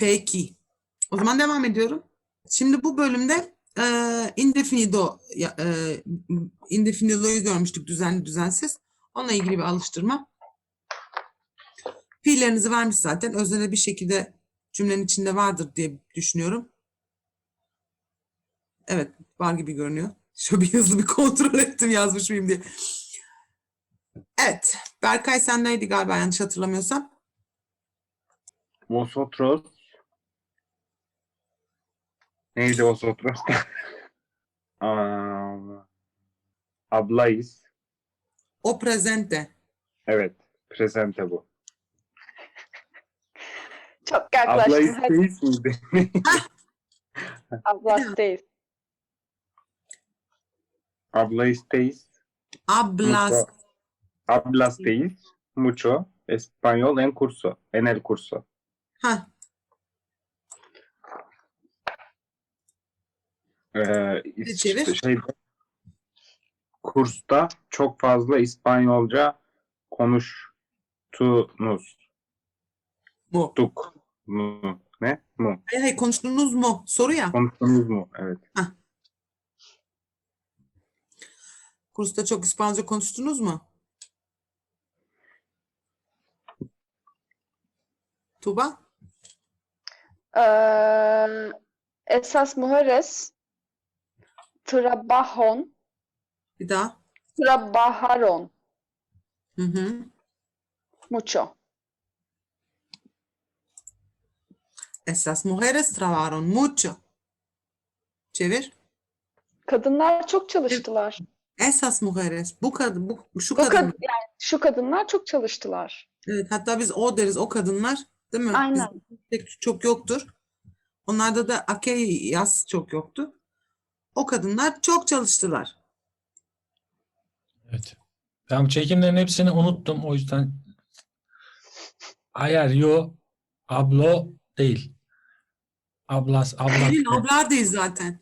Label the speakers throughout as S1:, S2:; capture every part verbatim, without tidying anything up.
S1: Peki. O zaman devam ediyorum. Şimdi bu bölümde e, indefinido, ya- e, indefinido'yu görmüştük, düzenli düzensiz. Onunla ilgili bir alıştırma. Fiillerinizi vermiş zaten. Özneli bir şekilde cümlenin içinde vardır diye düşünüyorum. Evet, var gibi görünüyor. Şöyle bir hızlı bir kontrol ettim yazmış mıyım diye. Evet, Berkay sendeydi galiba yanlış hatırlamıyorsam.
S2: Vosotros. Neydi vosotros? Aa, Ablayız.
S1: O presente.
S2: Evet. Presente bu.
S3: Çok yaklaştın. Hadi.
S2: Ablayız miydi?
S3: Ablasteyiz.
S2: Ablayız'teyiz.
S1: Hablas.
S2: Mucho. Hablas'teyiz. Mucho. Español en curso. En el curso.
S1: Ha,
S2: Ee,
S1: Bir çevir.
S2: şeyde, kursta çok fazla İspanyolca konuştunuz.
S1: mu.
S2: Tuk. Mu. Ne? Mu.
S1: Hayır, hayır, konuştunuz mu? Soru ya.
S2: Konuştunuz mu? Evet.
S1: Kursta çok İspanyolca konuştunuz mu? Tuba?
S3: Ee, esas mujeres trabajon,
S1: Bir daha.
S3: trabajaron
S1: Hı hı.
S3: mucho.
S1: Esas mujeres trabajaron mucho. Çevir.
S3: Kadınlar çok çalıştılar.
S1: Esas mujeres. Bu kadın, bu, şu
S3: Bu
S1: kadın.
S3: kad yani şu kadınlar çok çalıştılar.
S1: Evet, hatta biz o deriz, o kadınlar. Değil mi?
S3: Aynen.
S1: Bizde çok yoktur. Onlarda da aquellas çok yoktu. O kadınlar çok çalıştılar.
S4: Evet. Ben bu çekimlerin hepsini unuttum. O yüzden hayır, yo, ablo değil. Ablas, ablas.
S1: Gelin ablar değil zaten.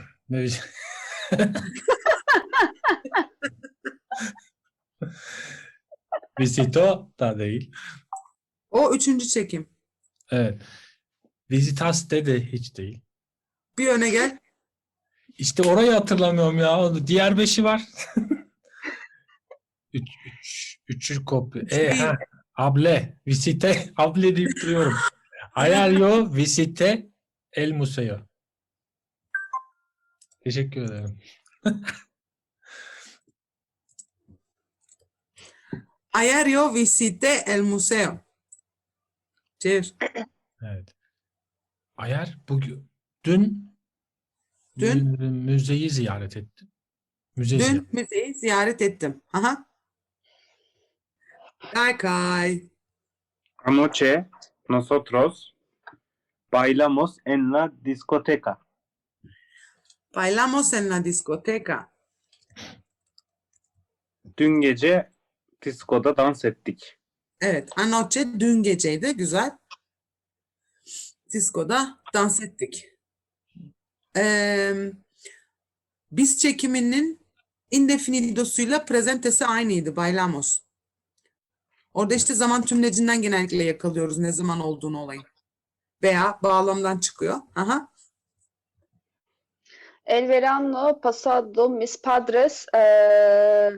S4: Visito da değil.
S1: O üçüncü çekim.
S4: Evet. Visitas de hiç değil.
S1: Bir öne gel.
S4: İşte orayı hatırlamıyorum ya. Diğer beşi var. Üç, üç, üçü kopya.
S1: Üç
S4: E,
S1: değil.
S4: ha. Able. Visite. Able deyip duruyorum. Ayario visite el museo. Teşekkür ederim.
S1: Ayer yo visité el museo. Çevir.
S4: Evet. Ayar bugün dün
S1: Dün?
S4: mü- müzeyi ziyaret ettim. Müze ziyaret.
S1: Dün müzeyi ziyaret ettim. Aha. Berkay.
S2: Anoche nosotros bailamos en la discoteca.
S1: Bailamos en la discoteca.
S2: Dün gece diskoda dans ettik.
S1: Evet. Anoche dün geceydi. Güzel. Disko'da dans ettik. Ee, biz çekiminin indefinidosuyla presentesi aynıydı. Bailamos. Orada işte zaman tümlecinden genellikle yakalıyoruz ne zaman olduğunu olayın. Veya bağlamdan çıkıyor. Aha.
S3: El verano pasado mis padres eh,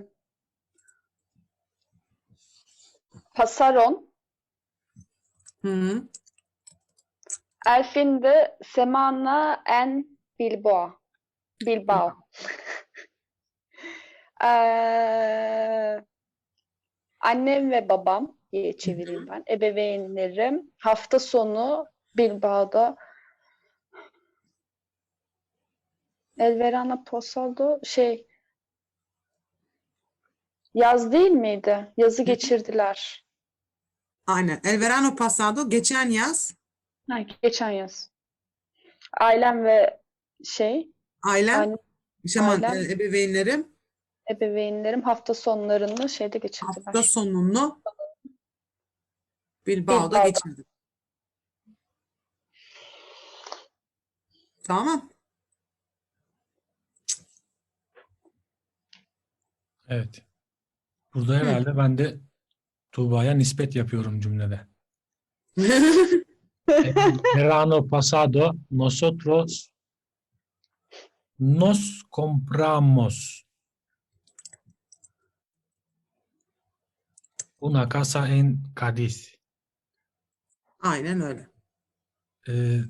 S3: pasaron
S1: Hı -hı.
S3: el fin de semana en Bilbao. Bilbao. Ee, annem ve babam diye çevireyim ben. Ebeveynlerim hafta sonu Bilbao'da El Verano Pasado şey yaz değil miydi? Yazı geçirdiler.
S1: Aynen. El verano pasado geçen yaz
S3: Ha, geçen yaz. Ailem ve şey
S1: ailem,
S3: anne,
S1: şaman,
S3: ailem,
S1: e, ebeveynlerim
S3: ebeveynlerim hafta sonlarını şeyde geçirdiler.
S1: hafta sonunu Bilbao'da
S3: Bilbao'da.
S1: geçirdim. Tamam.
S4: Evet. Burada herhalde ben de Tuğba'ya nispet yapıyorum cümlede. verano pasado nosotros nos compramos una casa en Cádiz.
S1: Aynen öyle.
S4: Ee,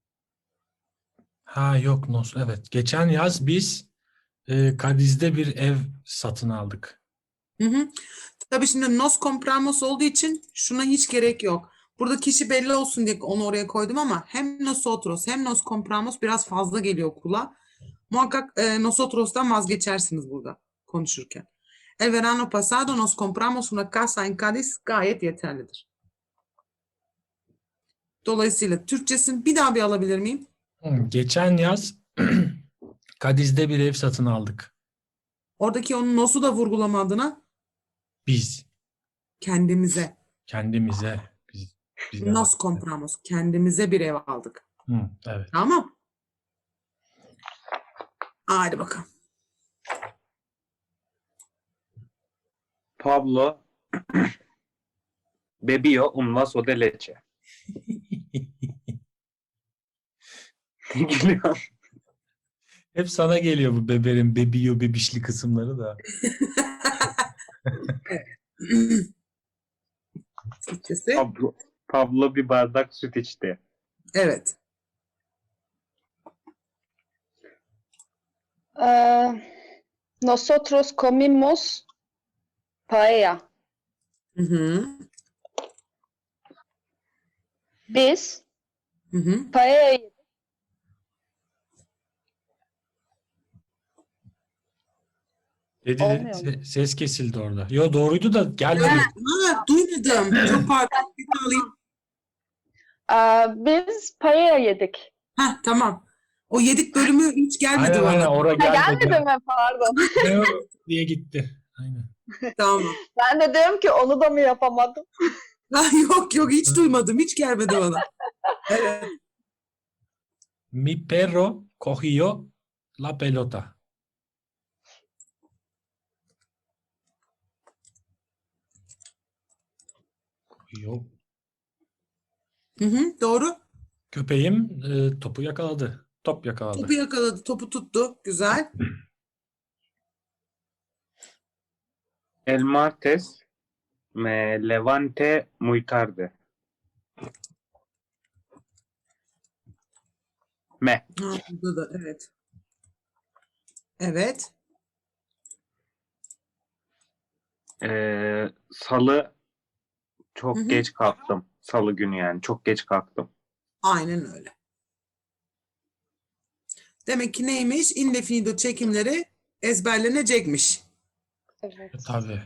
S4: ha yok nos evet. Geçen yaz biz e, Cadiz'de bir ev satın aldık.
S1: Hı hı. Tabii şimdi nos compramos olduğu için şuna hiç gerek yok. Burada kişi belli olsun diye onu oraya koydum ama hem nosotros hem nos compramos biraz fazla geliyor kulağa. Muhakkak e, nosotros'tan vazgeçersiniz burada konuşurken. El verano pasado nos compramos una casa en Cádiz gayet yeterlidir. Dolayısıyla Türkçesini bir daha bir alabilir miyim?
S4: Hı, geçen yaz Cadiz'de bir ev satın aldık.
S1: Oradaki onun nos'u da vurgulama adına
S4: Biz
S1: kendimize.
S4: kendimize biz, biz
S1: Nos compramos. Kendimize bir ev aldık.
S4: Hı, evet.
S1: Tamam. Hadi bakalım.
S2: Pablo bebió un vaso de leche. Ne gülüyorsun?
S4: Hep sana geliyor bu beberin bebiyo bebişli kısımları da.
S1: Türkçesi.
S2: Pablo, Pablo bir bardak süt içti.
S1: Evet.
S3: Ee, nosotros comimos paella.
S1: Hı hı.
S3: Biz
S1: Hı hı.
S3: paella yedik.
S4: Dedi
S3: Olmuyor mu?
S4: se- ses kesildi orada. Yo doğruydu da gelmedi.
S1: Ha, duymadım. Çok pardon. Bir daha alayım.
S3: Ee, biz paella yedik.
S1: Ha, tamam. O yedik bölümü hiç gelmedi
S4: Aynen aynen
S1: bana.
S4: oraya
S3: Ha,
S4: gelmedi.
S3: gelmedi mi? Pardon.
S4: Ne o diye gitti. Aynen.
S1: Tamam.
S3: Ben de diyorum ki onu da mı yapamadım?
S1: Ha, yok yok hiç duymadım. Hiç gelmedi bana. Evet.
S4: Mi perro cogió la pelota. Cogió.
S1: Hı hı, doğru.
S4: Köpeğim e, topu yakaladı. Top yakaladı.
S1: Topu yakaladı. Topu tuttu. Güzel.
S2: El martes me levanté muy tarde. Me.
S1: Ha, burada da evet. Evet.
S2: Ee, salı çok
S1: Hı hı.
S2: geç kalktım. Salı günü yani. Çok geç kalktım.
S1: Aynen öyle. Demek ki neymiş? Indefinido çekimleri ezberlenecekmiş.
S3: Evet.
S4: Tabii.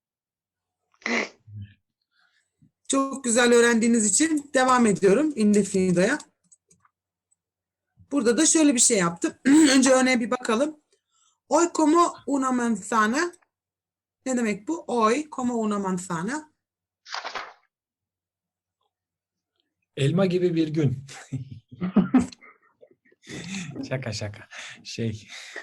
S1: Çok güzel öğrendiğiniz için devam ediyorum indefinido'ya. Burada da şöyle bir şey yaptım. Önce örneğe bir bakalım. Hoy como una manzana. Ne demek bu? Hoy como una manzana.
S4: Elma gibi bir gün. Şaka şaka. Şey.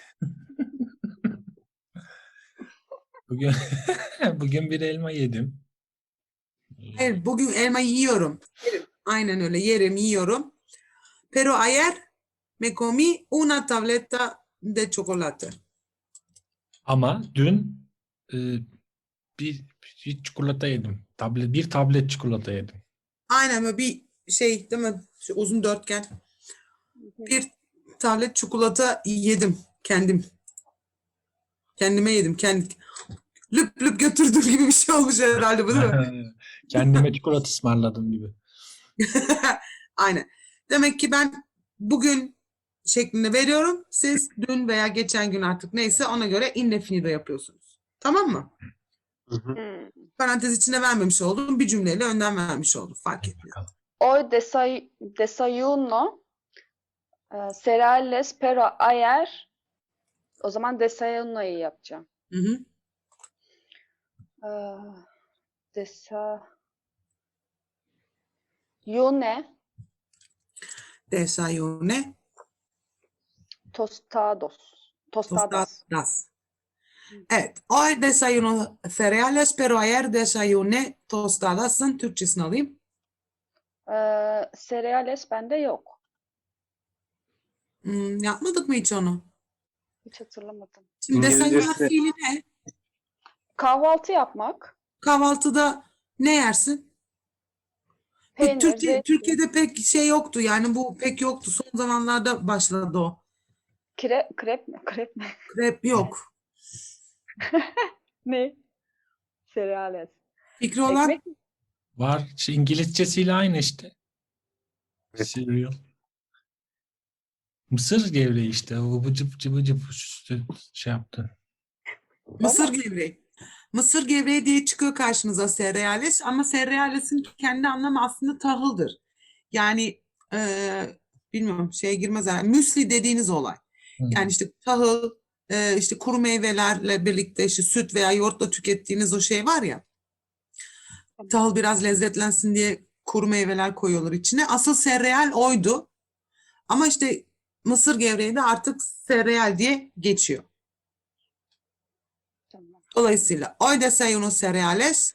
S4: Bugün bugün bir elma yedim.
S1: Hayır, bugün elma yiyorum. Yerim. Aynen öyle. Yerim, yiyorum. Pero ayer me comí una tableta de chocolate.
S4: Ama dün e, bir, bir çikolata yedim. Tablet, bir tablet çikolata yedim.
S1: Aynen böyle bir şey değil mi? Şu uzun dörtgen. Bir tablet çikolata yedim kendim. Kendime yedim. Kendi, lüp lüp götürdüm gibi bir şey olmuş herhalde bu değil mi?
S4: Kendime çikolata ısmarladım gibi.
S1: Aynen. Demek ki ben bugün şeklinde veriyorum. Siz dün veya geçen gün artık neyse ona göre indefinido yapıyorsunuz. Tamam mı?
S2: Hı hı.
S3: Hmm.
S1: Parantez içine vermemiş oldum. Bir cümleyle önden vermiş oldum. Fark etmiyor.
S4: Bakalım.
S3: Hoy desay desayuno e, cereales pero ayer o zaman desayuno'yu yapacağım.
S1: Hı hı.
S3: Ee, desayune
S1: Desayune
S3: tostados. Tostadas.
S1: tostadas. Evet. Hoy desayuno cereales pero ayer desayune tostadas'ın Türkçesini alayım.
S3: Ee, cereales bende yok.
S1: Hmm, yapmadık mı hiç onu?
S3: Hiç hatırlamadım.
S1: Şimdi desayunar
S2: İngilizcesi
S1: fiili ne?
S3: Kahvaltı yapmak.
S1: Kahvaltıda ne yersin? Bu
S3: Peynir,
S1: Türkiye,
S3: zeytin,
S1: Türkiye'de pek şey yoktu yani bu pek yoktu. Son zamanlarda başladı o.
S3: kre, krep mi? Krep mi?
S1: Krep yok.
S3: Ne? Cereales.
S1: Fikri olan
S3: Ekmek mi?
S4: Var. İşte İngilizcesiyle aynı işte.
S2: Evet.
S4: Cereal. Mısır gevreği işte. O bıcıp cıbı cıp üstü şey yaptı.
S1: mısır
S3: Ama
S1: gevreği. Mısır gevreği diye çıkıyor karşınıza cereales ama cereales'in kendi anlamı aslında tahıldır. Yani eee, bilmiyorum şeye girmez herhalde. Müsli dediğiniz olay.
S4: Hı.
S1: Yani işte tahıl, eee, işte kuru meyvelerle birlikte işte süt veya yoğurtla tükettiğiniz o şey var ya. Tahıl biraz lezzetlensin diye kuru meyveler koyuyorlar içine. Asıl sereal oydu. Ama işte mısır gevreği de artık sereal diye geçiyor.
S3: tamam.
S1: Dolayısıyla hoy desayuno cereales.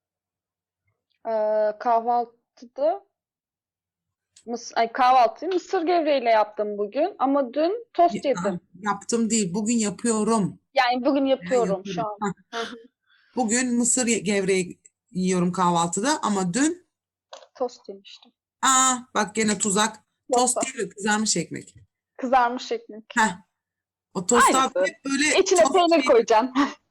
S3: Ee, kahvaltıda mıs ay, kahvaltıyı mısır gevreğiyle yaptım bugün ama dün tost
S1: Ah,
S3: yedim.
S1: yaptım değil, bugün yapıyorum.
S3: Yani bugün
S1: Ben
S3: yapıyorum şu
S1: yaparım.
S3: an.
S1: Hah,
S3: Hı hı.
S1: bugün mısır ye- gevreği yiyorum kahvaltıda ama dün
S3: Tost yemiştim.
S1: aa bak gene tuzak. Tost
S3: Yoksa
S1: değil, kızarmış ekmek.
S3: kızarmış ekmek.
S1: Heh, o tost abi
S3: Aynısı.
S1: hep böyle
S3: İçine
S1: tost
S3: peynir
S1: şey,
S3: koyacaksın.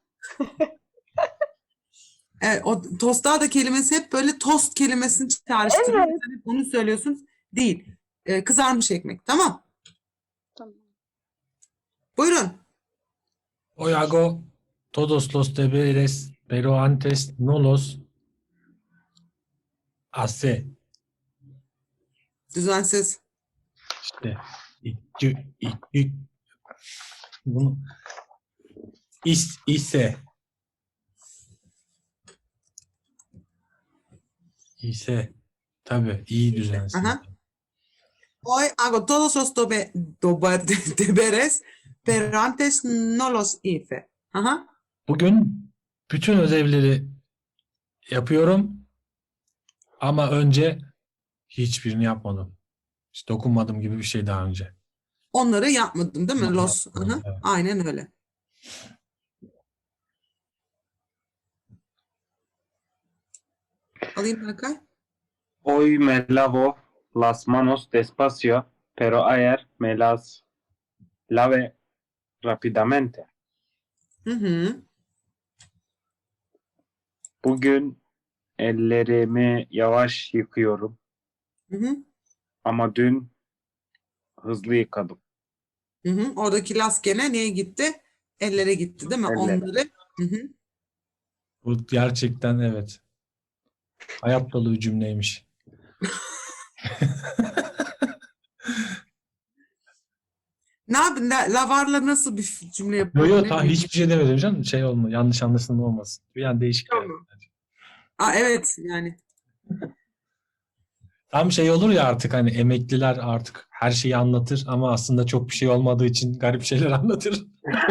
S1: evet, o tostada kelimesi hep böyle tost kelimesini çağrıştırıyor.
S3: Evet.
S1: Sen hep onu söylüyorsun. Değil. Ee, kızarmış ekmek. Tamam.
S3: Tamam.
S1: Buyurun.
S4: Hoy hago todos los deberes, pero antes no los hace.
S1: Düzensiz.
S4: İşte İki, iki, bunu is, ise ise tabii iyi düzensiz.
S1: Aha. Hoy hago todos los dobe- dober- deberes, pero antes no los hice. Aha.
S4: Bugün bütün ödevleri yapıyorum ama önce hiçbirini yapmadım. Hiç dokunmadım gibi bir şey daha önce.
S1: Onları yapmadım değil mi?
S4: Ama
S1: Los.
S4: yapmadım,
S1: Aha.
S4: evet.
S1: Aynen öyle. Alayım Berkay.
S2: Hoy me lavo las manos despacio, pero ayer me las lave rápidamente.
S1: Hı hı.
S2: Bugün ellerimi yavaş yıkıyorum
S1: Hı hı.
S2: ama dün hızlı yıkadım.
S1: Hı hı. Oradaki las gene neye gitti? Ellere gitti değil mi?
S2: Ellere.
S1: Onları. Hı hı.
S4: Bu gerçekten evet. Hayat dolu bir cümleymiş.
S1: Ne yapayım? La- Lavarla nasıl bir cümle
S4: Yo
S1: yapıyorum?
S4: yo
S1: Ne
S4: ta
S1: bileyim.
S4: hiçbir şey demedim canım. Şey olma, yanlış anlaşılma olmasın. Bir an değişik geldi.
S1: Tamam. Aa, evet yani.
S4: Tam şey olur ya artık hani emekliler artık her şeyi anlatır ama aslında çok bir şey olmadığı için garip şeyler anlatır.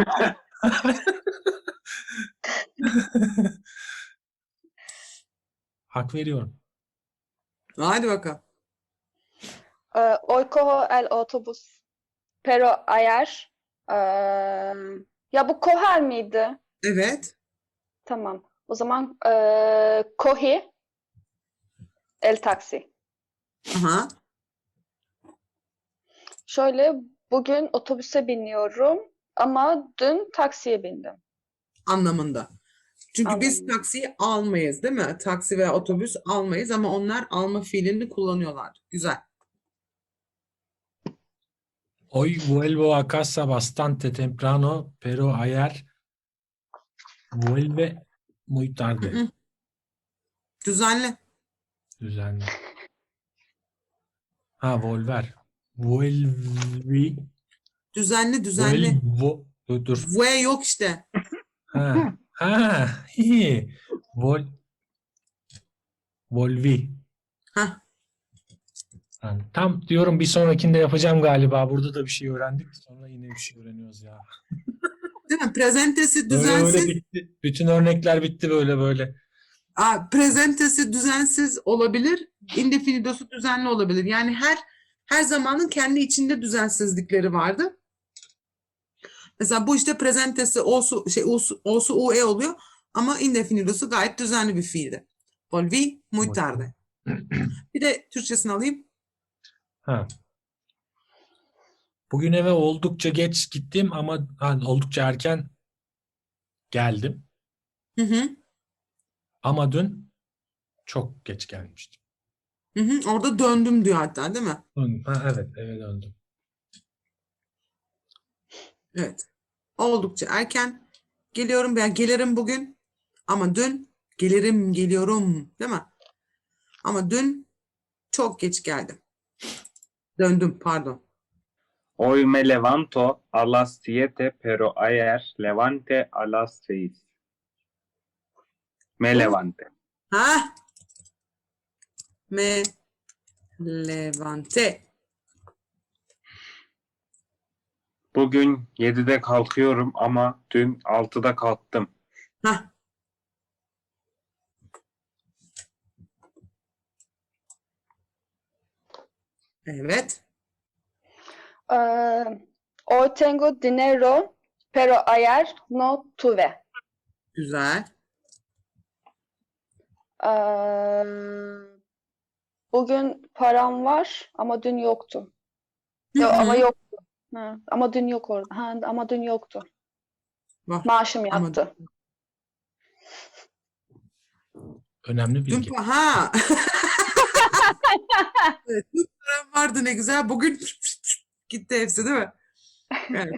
S4: Hak veriyorum.
S1: Hadi bakalım.
S3: Ee, hoy cojo el otobús, pero ayer eee, ya bu coger miydi?
S1: Evet.
S3: Tamam. O zaman eee cogi el taksi.
S1: Aha.
S3: Şöyle bugün otobüse biniyorum ama dün taksiye bindim.
S1: Anlamında. Çünkü biz
S3: Anlamında.
S1: taksiyi almayız değil mi? Taksi veya otobüs almayız ama onlar alma fiilini kullanıyorlar. Güzel.
S4: Hoy vuelvo a casa bastante temprano, pero ayer vuelve muy
S1: Hı
S4: tarde.
S1: hı. Düzenli.
S4: Düzenli. Ha volver. Vuelvi.
S1: Düzenli, düzenli.
S4: Vuelvo. Dur dur.
S1: V yok işte.
S4: Ha. Ha. Hi. Vol. Volvi.
S1: Hah.
S4: Yani tam diyorum bir sonrakinde yapacağım galiba. Burada da bir şey öğrendik. Sonra yine bir şey öğreniyoruz ya.
S1: Değil mi? Prezentesi
S4: Böyle böyle
S1: düzensiz.
S4: bitti. Bütün örnekler bitti böyle böyle.
S1: Aa, presentesi düzensiz olabilir, indefinidosu düzenli olabilir. Yani her her zamanın kendi içinde düzensizlikleri vardı. Mesela bu işte presentesi olsu şey olsu, olsu ue oluyor ama indefinidosu gayet düzenli bir fiildi. Volví muy tarde. Bir de Türkçesini alayım.
S4: Ha. Bugün eve oldukça geç gittim ama ha, oldukça erken geldim.
S1: Hı hı.
S4: Ama dün çok geç gelmiştim.
S1: Hı hı. Orada döndüm diyor hatta, değil mi?
S4: Ha, evet, eve döndüm.
S1: Evet. Oldukça erken geliyorum veya gelirim bugün ama dün gelirim geliyorum, değil mi? Ama dün çok geç geldim. Döndüm, pardon.
S2: Hoy me levanto a las siete, pero ayer levante a las seis. Me
S1: Oo.
S2: levante.
S1: Ha? Me levante.
S2: Bugün yedide kalkıyorum ama dün altıda kalktım.
S1: Ha. Evet.
S3: Ee, Hoy tengo dinero, pero ayer no tuve.
S1: Güzel.
S3: Ee, Bugün param var ama dün yoktu.
S1: Hı
S3: Yo, ama
S1: hı.
S3: yoktu. Ha, ama dün yok orada. Ha, ama dün yoktu.
S1: Var.
S3: Maaşım
S1: Ama
S3: yattı.
S4: Önemli
S1: dün
S4: bilgi.
S1: pa- ha. Evet, dün param vardı, ne güzel. Bugün gitti hepsi, değil mi? Evet.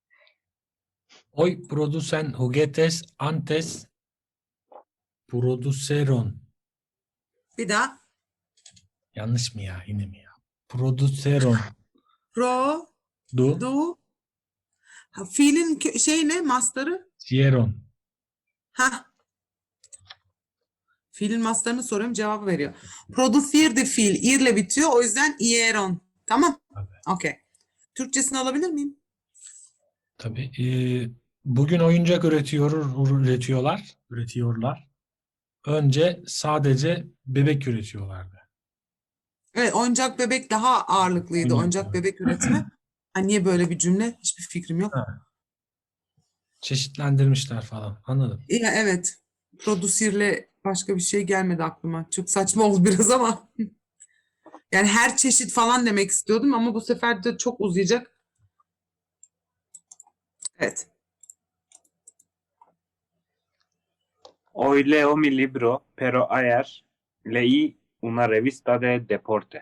S4: Hoy producen juguetes antes produceron.
S1: Bir daha.
S4: Yanlış mı ya? Yine mi ya? Produceron.
S1: Pro,
S4: Du.
S1: du. Ha, fiilin kö- şey ne? Mastarı?
S4: Hicieron.
S1: Ha. Fiilin mastarını soruyorum, cevabı veriyor. Producir de fiil. İrle bitiyor. O yüzden ieron. Tamam.
S4: Tabii.
S1: Okey. Türkçesini alabilir miyim?
S4: Tabii. Ee, bugün oyuncak üretiyor, üretiyorlar. Üretiyorlar. Önce sadece bebek üretiyorlardı.
S1: Evet, oyuncak bebek daha ağırlıklıydı.
S4: Oyuncak
S1: Oyuncak
S4: bebek.
S1: bebek üretimi. Ha, niye böyle bir cümle? Hiçbir fikrim yok.
S4: Ha, çeşitlendirmişler falan. Anladım.
S1: Ya, evet. Producir'le başka bir şey gelmedi aklıma. Çok saçma oldu biraz ama. Yani her çeşit falan demek istiyordum ama bu sefer de çok uzayacak. Evet.
S2: Hoy leo mi libro, pero ayer leí una revista de deporte.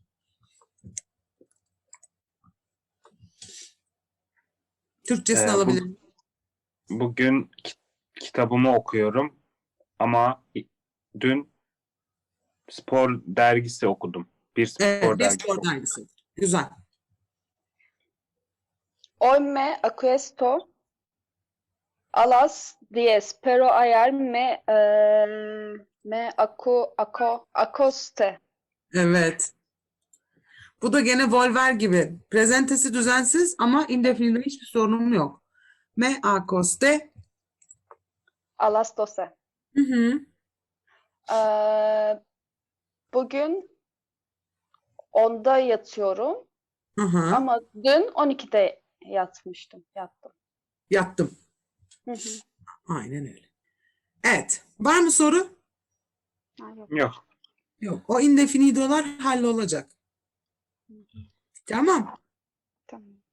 S1: Türkçesini
S2: Ee, bu-
S1: alabilir miyim?
S2: Bugün ki- kitabımı okuyorum ama dün spor dergisi okudum. Bir spor
S1: Evet, bir
S2: dergisi
S1: spor
S2: okudum.
S1: dergisi. Güzel.
S3: Hoy me acuesto a las diez, pero ayer me eh, me acu, aco, acoste.
S1: Evet. Bu da gene Volver gibi. Prezentesi düzensiz ama indefinide hiçbir sorunum yok. Me acosté.
S3: A las doce.
S1: Hı hı.
S3: Ee, Bugün onda yatıyorum
S1: Hı hı.
S3: ama dün on ikide yatmıştım. Yattım.
S1: Yattım.
S3: Hı hı.
S1: Aynen öyle. Evet. Var mı soru?
S3: Ha, yok.
S2: Yok.
S1: Yok. O indefinidolar hallolacak. Tamam.
S3: Tamam.